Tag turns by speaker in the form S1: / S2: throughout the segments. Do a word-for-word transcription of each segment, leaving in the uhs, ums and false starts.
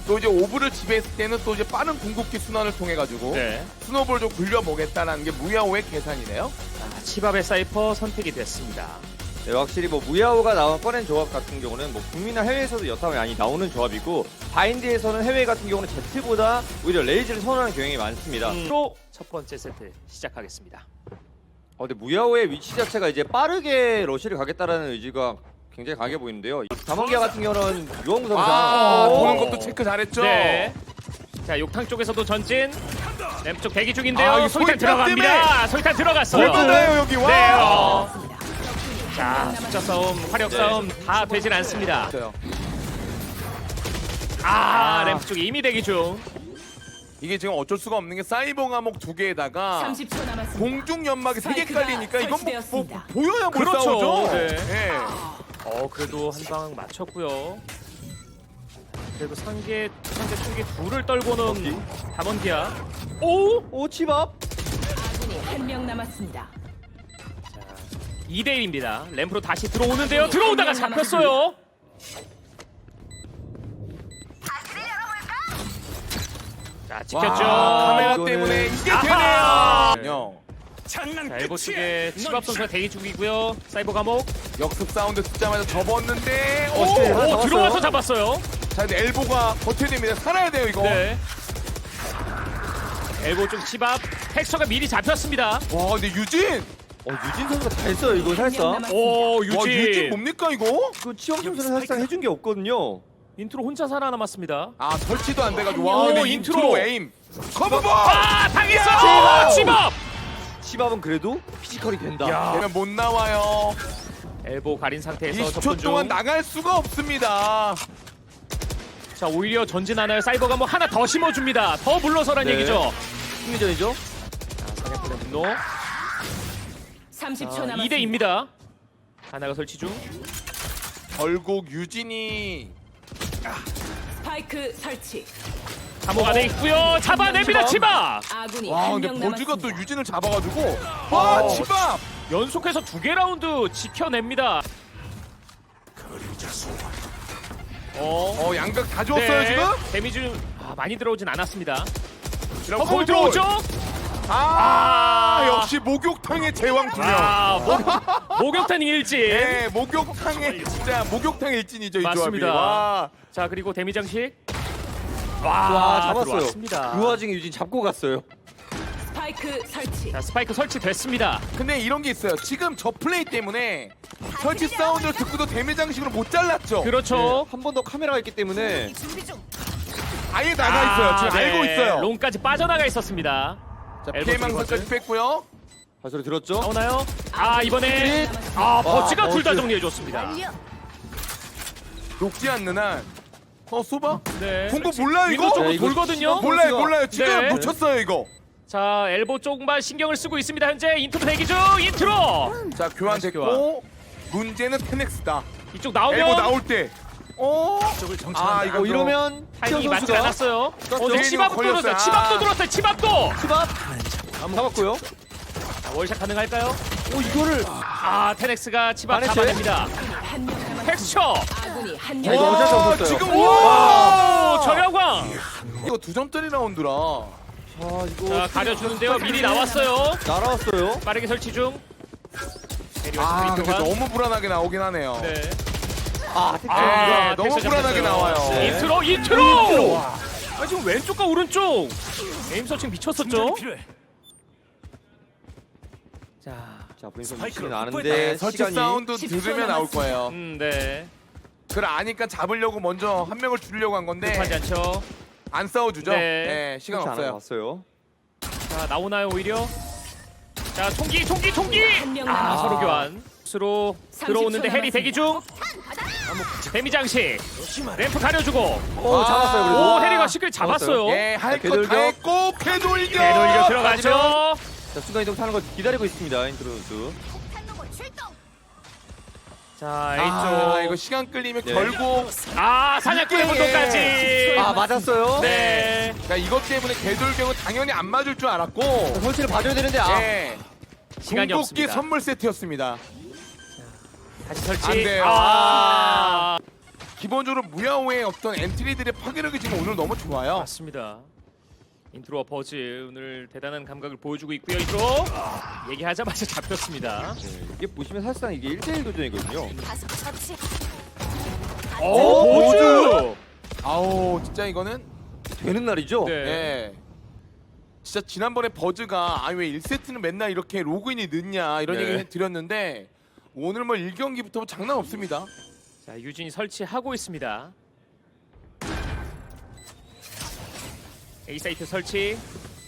S1: 또 이제 오브를 지배했을 때는 또 이제 빠른 궁극기 순환을 통해 가지고
S2: 네.
S1: 스노우볼 좀 굴려보겠다라는 게 무야호의 계산이네요.
S2: 아, 치밥의 사이퍼 선택이 됐습니다.
S3: 네, 확실히 뭐 무야호가 나와 꺼낸 조합 같은 경우는 뭐 국내나 해외에서도 여타 많이 나오는 조합이고 바인드에서는 해외 같은 경우는 제트보다 오히려 레이즈를 선호하는 경향이 많습니다.
S2: 음. 또 첫 번째 세트 시작하겠습니다.
S3: 어, 근데 무야호의 위치 자체가 이제 빠르게 러시를 가겠다라는 의지가 굉장히 강해 보이는데요. 담원기아 같은 경우는 유언구 선수
S1: 아,
S2: 오.
S1: 보는 것도 체크 잘했죠.
S2: 네. 자, 욕탕 쪽에서도 전진. 램프 쪽 대기 중인데요.
S1: 아, 이거
S2: 소위탄
S1: 소위탄
S2: 들어갑니다. 소위탄 들어갔어요.
S1: 얼마나요 여기 와.
S2: 네. 어. 자, 숫자 싸움, 화력 싸움 다 되진 않습니다.
S1: 있어요.
S2: 아, 램프 쪽 이미 대기 중.
S1: 이게 지금 어쩔 수가 없는 게 사이버 감옥 두 개에다가
S4: 삼십 초 남았습니다.
S1: 공중 연막이 세 개
S4: 스파이크가
S1: 깔리니까 이건 뭐, 뭐
S4: 설치되었습니다.
S1: 보여야 못
S2: 그렇죠.
S1: 싸우죠.
S2: 네.
S1: 예.
S2: 어, 그래도 한 방 맞췄고요. 그리고 상계 상계 총기 둘을 떨고는 담원기아. 오!
S3: 오 치밥!
S4: 아군이 한 명 남았습니다.
S2: 이 대 일입니다. 램프로 다시 들어오는데요. 들어오다가 잡혔어요. 자, 지켰죠.
S1: 와, 카메라
S3: 이거는-
S1: 때문에 이게
S2: 아하!
S1: 되네요.
S2: 자, 엘보 쪽에 치밥 선수가 대기 중이고요. 사이버 감옥.
S1: 역습 사운드 듣자마자 접었는데
S2: 오,
S1: 오!
S3: 네, 하나
S2: 오,
S3: 잡았어요.
S2: 들어와서 잡았어요.
S1: 자, 근데 엘보가 버텨야 됩니다. 살아야 돼요, 이거.
S2: 네. 엘보 쪽 치밥. 텍스처가 미리 잡혔습니다.
S1: 와, 근데 유진!
S3: 어 유진 선수가 다 했어요 이거 살짝.
S2: 오,
S1: 와,
S2: 유진.
S1: 유진 뭡니까, 이거?
S3: 그 치영 선수는 사실상 해준 게 없거든요.
S2: 인트로 혼자 살아남았습니다.
S1: 아, 설치도 안 돼가지고. 와,
S2: 오,
S1: 근데
S2: 인트로.
S1: 인트로 에임. 커브볼!
S2: 아, 당했어! 치밥!
S3: 치밥은 그래도 피지컬이 된다.
S2: 야.
S1: 되면 못 나와요.
S2: 엘보 가린 상태에서
S1: 이십 초
S2: 접근 중.
S1: 동안 나갈 수가 없습니다.
S2: 자, 오히려 전진하나요? 사이버가 뭐 하나 더 심어줍니다. 더 물러서란
S3: 네.
S2: 얘기죠.
S3: 승리전이죠.
S2: 자, 사냥꾼의 분노.
S4: 삼십 초 남았습니다.
S2: 이 대 이입니다. 하나가 설치 중.
S1: 결국 유진이
S4: 스파이크 설치.
S2: 감옥 안에 있고요. 잡아냅니다. 치밥.
S4: 아군이
S1: 와,
S4: 한
S1: 근데
S4: 명
S1: 버즈가 또
S4: 남았습니다.
S1: 유진을 잡아가지고 와,
S2: 어.
S1: 치밥!
S2: 연속해서 두 개 라운드 지켜냅니다. 어,
S1: 어, 양각 다 줬어요, 지금?
S2: 데미지 아, 많이 들어오진 않았습니다.
S1: 이런
S2: 어, 거기
S1: 커브볼.
S2: 들어오죠?
S1: 아,
S2: 아.
S1: 역시 목욕탕의 제왕 두 명.
S2: 아, 목, 목욕탕 일진.
S1: 네, 목욕탕의 진짜 목욕탕 일진이죠, 이 조합이.
S2: 맞습니다.
S1: 와.
S2: 자, 그리고 데미 장식.
S3: 와
S2: 와,
S3: 잡았어요.
S2: 들어왔습니다.
S3: 그 와중에 유진 잡고 갔어요.
S4: 스파이크 설치.
S2: 자, 스파이크 설치됐습니다.
S1: 근데 이런 게 있어요. 지금 저 플레이 때문에 설치 사운드를 듣고도 데미 장식으로 못 잘랐죠.
S2: 그렇죠.
S3: 한 번 더 카메라가 있기 때문에
S1: 아예 나가 있어요. 지금
S2: 아,
S1: 알고
S2: 네.
S1: 있어요.
S2: 롱까지 빠져나가 있었습니다.
S1: 자,
S2: 엘보
S1: 피해망상까지
S2: 들어갔어요.
S1: 뺐고요.
S3: 발소리 들었죠?
S2: 나오나요? 아, 이번에 아, 버츠가 둘 다 정리해줬습니다.
S1: 녹지 않는 한. 어, 소바?
S2: 네.
S1: 공부 몰라요, 이거?
S2: 위로 쪽으로
S3: 네, 이거
S2: 돌거든요.
S1: 몰라요, 몰라요. 지금
S2: 네.
S1: 놓쳤어요, 이거.
S2: 자, 엘보 쪽만 신경을 쓰고 있습니다. 현재 인트로 대기 중. 인트로.
S1: 자, 교환됐고 문제는 테넥스다.
S2: 이쪽
S1: 엘보
S2: 나오면
S1: 나올 때. 어? 아, 이거
S3: 어, 이러면
S2: 타이밍이
S3: 치영
S2: 맞지
S3: 선수가
S2: 않았어요. 어,
S1: 떴죠.
S2: 네, 치밥도
S1: 걸렸어요.
S2: 들었어요. 치밥도
S1: 아.
S2: 들었어요. 치밥도.
S3: 치밥 잡았고요.
S2: 자, 월샷 가능할까요?
S3: 오 이거를
S2: 아, 테넥스가 치밥
S3: 반했어요?
S2: 잡아냅니다.
S4: 한 명 남았습니다.
S2: 텍스처.
S4: 아군이 한
S3: 야,
S4: 명
S3: 이거 어쩔 수
S1: 와,
S3: 없었어요.
S1: 지금
S2: 오,
S1: 와!
S2: 저렴광.
S1: 이거 두 점짜리 라운드라.
S3: 아 이거
S2: 자, 가려주는데요. 미리 나왔어요.
S3: 날아왔어요.
S2: 빠르게 설치 중.
S1: 아, 근데
S2: 교환.
S1: 너무 불안하게 나오긴 하네요.
S2: 네.
S3: 아
S1: 네,
S2: 아,
S1: 너무
S2: 텍스처
S1: 불안하게
S2: 잡혔어요.
S1: 나와요.
S2: 네.
S1: 네.
S2: 인트로, 인트로. 아, 지금 왼쪽과 오른쪽 에임 서칭 미쳤었죠. 자,
S3: 자 브레인 선수 시간
S1: 네,
S3: 아는데
S1: 설치
S3: 시간이
S1: 사운드
S4: 십 초
S1: 들으면 나올
S4: 남았습니다.
S1: 거예요.
S2: 음, 네.
S1: 그걸 아니까 잡으려고 먼저 한 명을 줄이려고 한 건데
S2: 급하지 않죠.
S1: 안 싸워주죠.
S2: 네.
S1: 네, 시간
S3: 그렇지 않아
S1: 없어요.
S3: 봤어요.
S2: 자, 나오나요 오히려? 자, 총기, 총기, 총기.
S4: 한 명
S2: 아,
S4: 남았습니다.
S2: 서로 교환. 수로 들어오는데 해리 대기 중. 데미 장식. 램프 가려주고.
S3: 오 잡았어요 그래도.
S2: 오, 해리가 쉽게 잡았어요.
S1: 예, 할 거
S3: 되돌려.
S1: 다 했고 궤돌격.
S2: 되돌려 들어가죠.
S3: 자 순간 이동 타는 거 기다리고 있습니다 인트로 선수.
S2: 자, A쪽.
S1: 아, 이거 시간 끌리면
S3: 네.
S1: 결국
S2: 아, 사냥꾼의
S1: 이게-
S2: 분도까지.
S3: 아 맞았어요.
S2: 네.
S1: 그러니까 이것 때문에 궤돌격은 당연히 안 맞을 줄 알았고
S3: 자, 설치를 봐줘야 되는데 아
S1: 예,
S2: 시간이
S1: 궁극기
S2: 없습니다.
S1: 선물 세트였습니다.
S2: 다시 설치.
S1: 안 돼요.
S2: 아.
S1: 기본적으로 무야호의 어떤 엔트리들의 파괴력이 지금 오늘 너무 좋아요.
S2: 맞습니다. 인트로와 버즈 오늘 대단한 감각을 보여주고 있고요. 인트로 얘기하자마자 잡혔습니다.
S3: 네, 이게 보시면 사실상 이게 일 대일 도전이거든요.
S2: 오, 버즈!
S1: 아우 진짜 이거는
S3: 되는 날이죠?
S2: 네.
S1: 예. 진짜 지난번에 버즈가 아 왜 일 세트는 맨날 이렇게 로그인이 늦냐 이런
S3: 네.
S1: 얘기 드렸는데 오늘 뭐 일 경기부터 장난 없습니다.
S2: 자, 유진이 설치하고 있습니다. A 사이트 설치.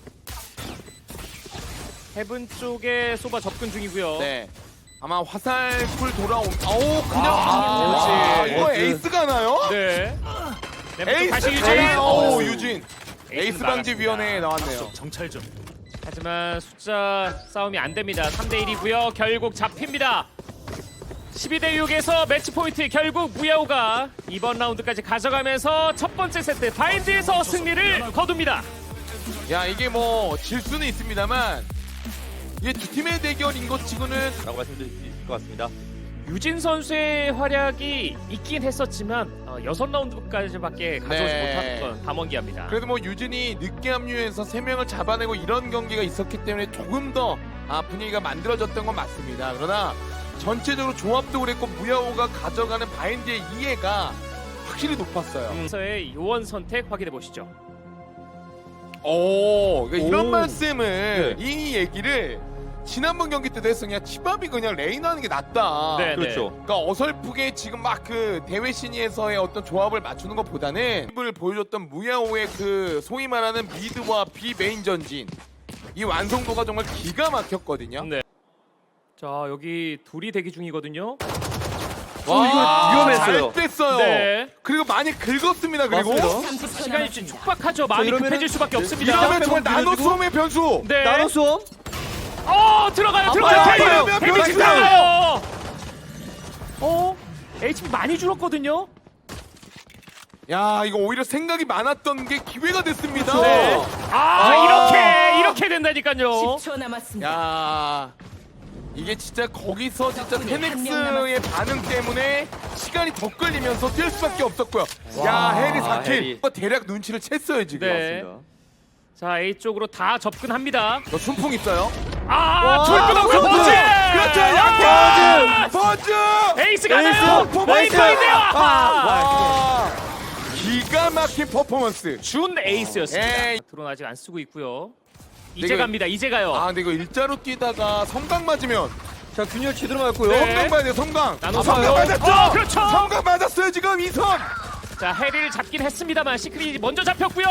S2: 헤븐 쪽에 소바 접근 중이고요.
S1: 네. 아마 화살풀 돌아옴. 아오 그냥
S2: 아,
S1: 아, 이거
S3: 버즈.
S1: 에이스가 나요?
S2: 네. 램프
S1: 에이스
S2: 다시 유진.
S1: 에이스. 오 유진.
S2: 에이스는
S1: 에이스 방지
S2: 나갔습니다.
S1: 위원회에 나왔네요.
S2: 정찰 좀. 하지만 숫자 싸움이 안 됩니다. 삼 대 일이고요. 결국 잡힙니다. 십이 대 육에서 매치 포인트 결국 무야호가 이번 라운드까지 가져가면서 첫 번째 세트 바인드에서 승리를 거둡니다.
S1: 야 이게 뭐 질 수는 있습니다만 이게 두 팀의 대결인 것 치고는
S3: 라고 말씀드릴 수 있을 것 같습니다.
S2: 유진 선수의 활약이 있긴 했었지만 어, 여섯 라운드까지밖에 가져오지
S1: 네.
S2: 못했던 담원기아입니다.
S1: 그래도 뭐 유진이 늦게 합류해서 세 명을 잡아내고 이런 경기가 있었기 때문에 조금 더 아, 분위기가 만들어졌던 건 맞습니다. 그러나 전체적으로 조합도 그랬고 무야호가 가져가는 바인드의 이해가 확실히 높았어요.
S2: 음, 서의 요원 선택 확인해 보시죠.
S1: 오, 그러니까 이런
S3: 오.
S1: 말씀을
S3: 네.
S1: 이 얘기를 지난번 경기 때도 했어. 그냥 치밥이 그냥 레이나 하는 게 낫다.
S2: 네,
S3: 그렇죠.
S1: 그러니까 어설프게 지금 막 그 대회 신의에서의 어떤 조합을 맞추는 것보다는 을 보여줬던 무야호의 그 소위 말하는 미드와 비 메인 전진 이 완성도가 정말 기가 막혔거든요.
S2: 네. 자, 여기 둘이 대기 중이거든요.
S1: 와,
S3: 이거 위험했어요.
S1: 잘 뺐어요.
S2: 네.
S1: 그리고 많이 긁었습니다. 그리고
S3: 맞습니다.
S4: 삼십 초
S2: 시간이 좀
S4: 남았습니다.
S2: 촉박하죠. 마음이
S3: 이러면은-
S2: 급해질 수밖에 없습니다.
S1: 이러면 정말
S3: 밀어주고.
S1: 나노 수험의 변수.
S2: 네.
S3: 나노 수험?
S2: 어, 들어가요. 들어가요.
S1: 아파요,
S2: 데미-
S1: 아파요,
S2: 데미지
S1: 아파요.
S2: 들어가요. 어? 에이치피 많이 줄었거든요.
S1: 야, 이거 오히려 생각이 많았던 게 기회가 됐습니다.
S2: 네. 아, 이렇게 이렇게 된다니까요.
S4: 십 초 남았습니다.
S1: 야, 이게 진짜 거기서 진짜
S4: 덕분에 한명
S1: 테넥스의 반응 때문에 시간이 더 끌리면서 뛸 수밖에 없었고요. 야, 해리 사 킬.
S3: 해리.
S1: 이거 대략 눈치를 챘어요 지금.
S2: 네. 자, A 쪽으로 다 접근합니다.
S1: 너 순풍 있어요?
S2: 아,
S3: 와,
S2: 돌고동서
S3: 버즈!
S2: 버즈.
S1: 그렇죠,
S2: 아,
S1: 약간 버즈.
S2: 에이스 가나요?
S3: 에이스!
S2: 포인트인데요.
S1: 와, 기가 막힌 퍼포먼스.
S2: 준 에이스였습니다.
S1: 에이.
S2: 드론 아직 안 쓰고 있고요. 이제
S1: 이거-
S2: 갑니다. 이제 가요.
S1: 아, 근데 이거 일자로 뛰다가 성강 맞으면
S3: 자, 균열 제대로 맞고요.
S2: 네.
S1: 성강 맞아요, 성강.
S2: 나노
S1: 아, 성강
S2: 성공.
S1: 맞았죠?
S2: 어, 그렇죠.
S1: 성강 맞았어요 지금 이선.
S2: 자, 해리를 잡긴 했습니다.만 시크릿이 먼저 잡혔고요.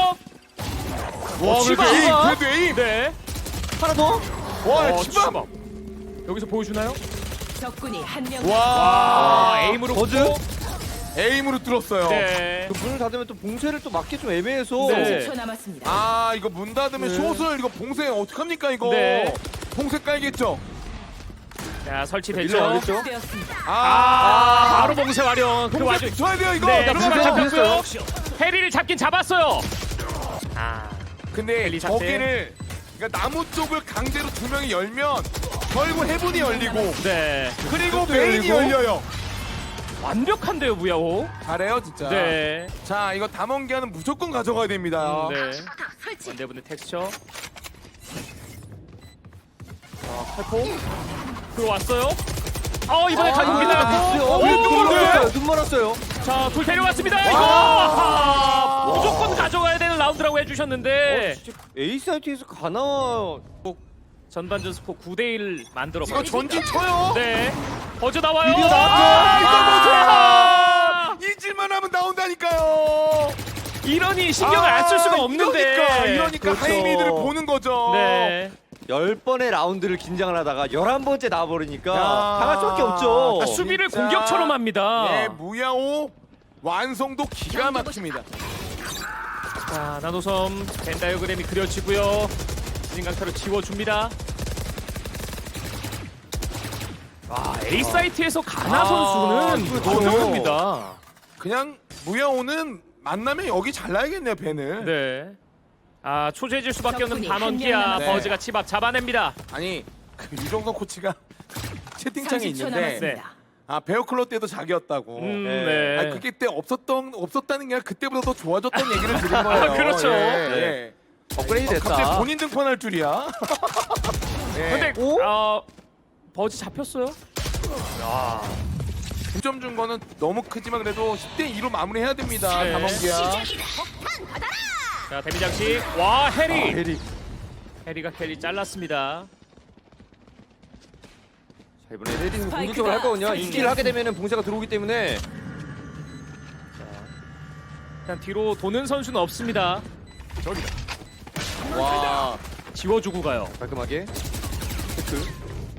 S1: 와,
S2: 치바.
S1: 그래도 에임, 그래도 에임.
S2: 네.
S3: 하나 더?
S1: 와,
S2: 어,
S1: 치밥.
S2: 치밥. 여기서 보여주나요?
S4: 적군이 한 명.
S1: 와,
S2: 아, 에임으로
S3: 버즈?
S2: 붙고.
S1: 에임으로 뚫었어요.
S2: 네.
S3: 그 문을 닫으면 또 봉쇄를 또 맞기 좀 애매해서
S2: 네.
S4: 삼십 초 남았습니다.
S1: 아, 이거 문 닫으면
S3: 네.
S1: 숏을 이거 봉쇄 어떡합니까 이거?
S2: 네.
S1: 봉쇄 깔겠죠?
S2: 자,
S3: 밀려
S2: 설치됐죠.
S3: 나겠죠?
S4: 되었습니다.
S1: 아,
S2: 아, 바로 봉쇄 완료. 그
S1: 봉쇄
S2: 와중
S1: 줘야 돼요 이거.
S2: 네,
S1: 그러면
S2: 추가
S3: 봉쇄
S2: 잡혔고요. 해리를 잡긴 잡았어요. 아,
S1: 근데
S2: 헬리 자체.
S1: 저기를 그러니까 나무 쪽을 강제로 두 명이 열면 결국 해븐이 열리고
S2: 네.
S1: 그리고
S3: 또
S1: 메인이
S3: 열리고.
S1: 열려요.
S2: 완벽한데요, 무야호.
S1: 잘해요 진짜.
S2: 네.
S1: 자, 이거 담원기아는 무조건 가져가야 됩니다.
S2: 음, 네. 원대분의 텍스처. 자, 팔포. 들어왔어요. 어, 이번에
S3: 아,
S2: 가져옵니다.
S3: 미스요.
S2: 오,
S3: 눈
S2: 오,
S3: 멀었어요. 눈 멀었어요.
S2: 자, 둘 데려왔습니다. 이거
S1: 와.
S2: 아, 무조건 가져가야 되는 라운드라고 해주셨는데
S3: 어, 진짜 에이스 아이티에서 가나?
S2: 전반전 스코어 구 대 일 만들어
S1: 이거
S2: 버립니다.
S1: 전진 쳐요.
S2: 네. 어제 나와요.
S3: 드디어
S1: 아,
S2: 아,
S1: 이거 보세요. 잊을만 하면 나온다니까요.
S2: 이러니 신경을 안 쓸 수가 없는데.
S1: 이러니까, 이러니까
S3: 그렇죠.
S1: 하이미드를 보는 거죠.
S2: 네.
S3: 열 번의 라운드를 긴장을 하다가 열한 번째 나와버리니까
S1: 야.
S3: 당할 수밖에 없죠.
S2: 아, 수비를
S1: 진짜.
S2: 공격처럼 합니다.
S1: 예, 무야호 완성도 기가 막힙니다.
S2: 자, 나노섬 벤 다이어그램이 그려지고요. 진강타로 지워줍니다. 아, A 사이트에서 가나
S1: 아,
S2: 선수는
S1: 그렇죠.
S2: 완벽합니다.
S1: 그냥 무야호는 만나면 여기 잘라야겠네요 벤을.
S2: 네. 아, 초재질 수밖에 없는
S4: 덕분에
S2: 반원기아
S4: 한명
S1: 남았-
S2: 버즈가 치밥 잡아냅니다.
S1: 아니 그 유정선 코치가 채팅창에
S4: 삼십 초
S1: 있는데
S2: 네.
S4: 남았습니다.
S1: 아 베어클로 때도 자기였다고.
S2: 음,
S3: 네.
S2: 네.
S1: 아 그게 때 없었던 없었다는 게 아니라 그때보다 더 좋아졌던 얘기를 드린 거예요.
S2: 그렇죠.
S1: 예,
S3: 네.
S1: 예.
S3: 업그레이드
S1: 어,
S3: 됐다.
S1: 갑자기 본인 등판할 줄이야. 예.
S2: 근데
S3: 오?
S2: 어, 버즈 잡혔어요.
S1: 구 점 준 거는 너무 크지만 그래도 십 대 이로 마무리해야 됩니다.
S2: 네.
S1: 담원기야.
S2: 자 데미 장식. 와 해리.
S3: 아, 해리.
S2: 해리가 켈리 잘랐습니다.
S3: 자, 이번에 레디는
S4: 스파이크가
S3: 공격적으로 할 거거든요. 이
S4: 설치.
S3: 킬을 하게 되면은 봉쇄가 들어오기 때문에
S2: 일단 뒤로 도는 선수는 없습니다.
S1: 와.
S2: 지워주고 가요.
S3: 깔끔하게 체크.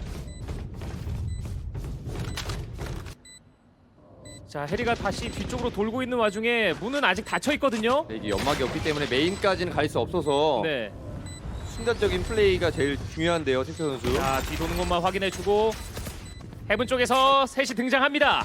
S2: 자 해리가 다시 뒤쪽으로 돌고 있는 와중에 문은 아직 닫혀 있거든요.
S3: 네, 이게 연막이 없기 때문에 메인까지는 갈 수 없어서
S2: 네.
S3: 순간적인 플레이가 제일 중요한데요, 텍스 선수.
S2: 자 뒤 도는 것만 확인해주고 해븐 쪽에서 셋이 등장합니다.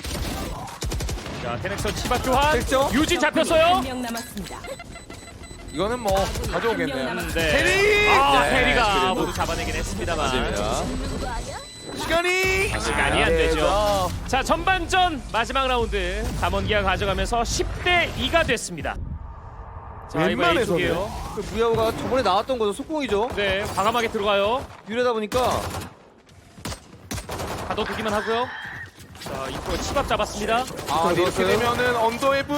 S2: 자 테넥서 치밥 교환.
S3: 됐죠?
S2: 유진 잡혔어요.
S4: 한 명 남았습니다.
S1: 이거는 뭐 가져오겠네요.
S2: 음, 네.
S1: 해리!
S2: 아
S3: 네,
S2: 해리가
S3: 그래도.
S2: 모두 잡아내긴 했습니다만
S3: 맞습니다.
S1: 시간이
S2: 시간이 안 되죠. 자 전반전 마지막 라운드 담원기가 가져가면서 십 대 이가 됐습니다. 자 이번
S1: 웬만해서는.
S2: A쪽이에요.
S3: 그 무야호가 저번에 나왔던 거죠, 속공이죠.
S2: 네 과감하게 들어가요.
S3: 유래다 보니까
S2: 가둬두기만 하고요. 자 이거 치밥 잡았습니다.
S1: 아 이렇게
S3: 넣었어요?
S1: 되면은 언더헤븐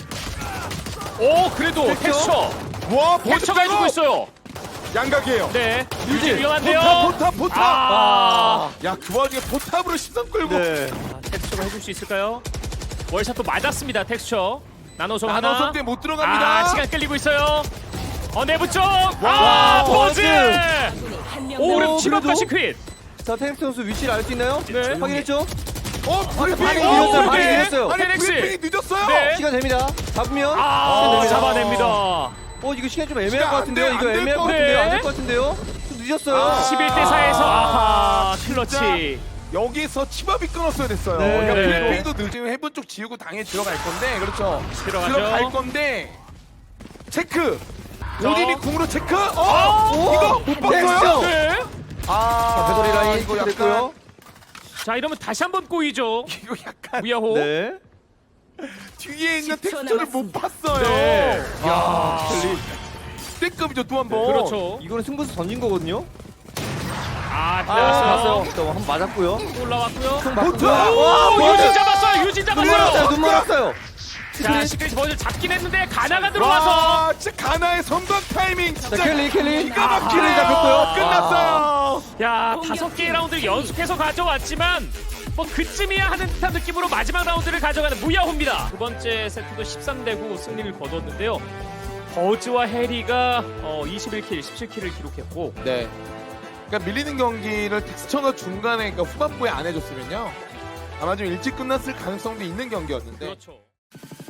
S2: 오 그래도
S3: 됐죠?
S2: 텍스처
S1: 와
S2: 텍스처가 해주고 있어요.
S1: 양각이에요.
S2: 네
S3: 유진,
S2: 유진 위험한데요.
S1: 포탑 포탑 포탑.
S2: 아,
S1: 야 그 와중에 포탑으로 시선 끌고.
S3: 네.
S2: 아, 텍스처가 해줄 수 있을까요? 월샷도 맞았습니다. 텍스처 나노som 하나.
S1: 나노섬 때못 들어갑니다.
S2: 아 시간 끌리고 있어요. 어 내부 쪽.
S1: 와,
S2: 아 버즈.
S4: 아군이 한 명
S2: 오 그럼
S4: 남았습니다.
S2: 치밥까지 퀸.
S3: 자, 텍스 선수 위치를 알 수 있나요?
S2: 네.
S3: 확인했죠?
S1: 어 브리핑.
S3: 반응이
S2: 오,
S3: 늦었어요.
S2: 네.
S3: 반응이 늦었어요.
S1: 아니
S2: 테넥스.
S1: 브리핑이 늦었어요.
S2: 네.
S3: 시간 됩니다. 잡으면
S2: 아
S3: 시간 됩니다.
S2: 잡아냅니다.
S3: 어, 이거 시간 좀 애매할
S1: 시간
S3: 것
S1: 안
S3: 같은데요.
S1: 돼,
S3: 이거
S1: 안될
S3: 애매할
S1: 것
S3: 것 같은데요.
S2: 같아.
S3: 안 될 것 같은데요. 좀 늦었어요.
S1: 아.
S2: 십일 대 사에서 아하 클러치.
S1: 여기서 치밥이 끊었어야 됐어요.
S3: 네.
S1: 그러니까
S2: 네.
S1: 브리핑도 늦으면 해본 쪽 지우고 당연히 들어갈 건데 그렇죠.
S2: 들어가죠.
S1: 들어갈 건데 체크.
S2: 자.
S1: 오딘이 궁으로 체크. 어?
S2: 아,
S3: 오!
S1: 이거 못 봤어요?
S2: 네.
S1: 아
S3: 자, 배터리 라인
S1: 이거 약간
S3: 됐고요.
S2: 자 이러면 다시 한번 꼬이죠.
S1: 이거 약간
S2: 무야호.
S3: 네.
S1: 뒤에 있는
S4: 십 초
S1: 텍스처를 못
S4: 남았습니다.
S1: 봤어요.
S2: 네.
S1: 야, 때급이죠 또 한 번.
S2: 그렇죠.
S3: 이거는 승부수 던진 거거든요.
S2: 아
S3: 아,
S2: 들어왔어요.
S3: 봤어요. 또 한번 맞았고요.
S2: 또 올라왔고요.
S1: 보트!
S3: 와,
S2: 오,
S3: 버즈!
S2: 유진 잡았어요. 유진
S3: 눈 멀었어요.
S2: 잡았어요.
S3: 눈 멀었어요.
S2: 자 시크릿 버즈 잡긴 했는데 가나가 들어와서.
S1: 와, 진짜 가나의 선방 타이밍
S3: 자,
S1: 진짜
S3: 켈리, 켈리.
S1: 기가 막히네.
S3: 킬을 잡혔고요.
S1: 끝났어요.
S2: 야
S4: 공격
S2: 다섯 개의 라운드를 연속해서 가져왔지만 뭐 그쯤이야 하는 듯한 느낌으로 마지막 라운드를 가져가는 무야호입니다. 두 번째 세트도 십삼 대 구 승리를 거뒀는데요. 버즈와 해리가 어, 이십일 킬, 십칠 킬을 기록했고
S1: 네. 그러니까 밀리는 경기를 텍스처가 중간에 그러니까 후반부에 안 해줬으면요 아마 좀 일찍 끝났을 가능성도 있는 경기였는데
S2: 그렇죠.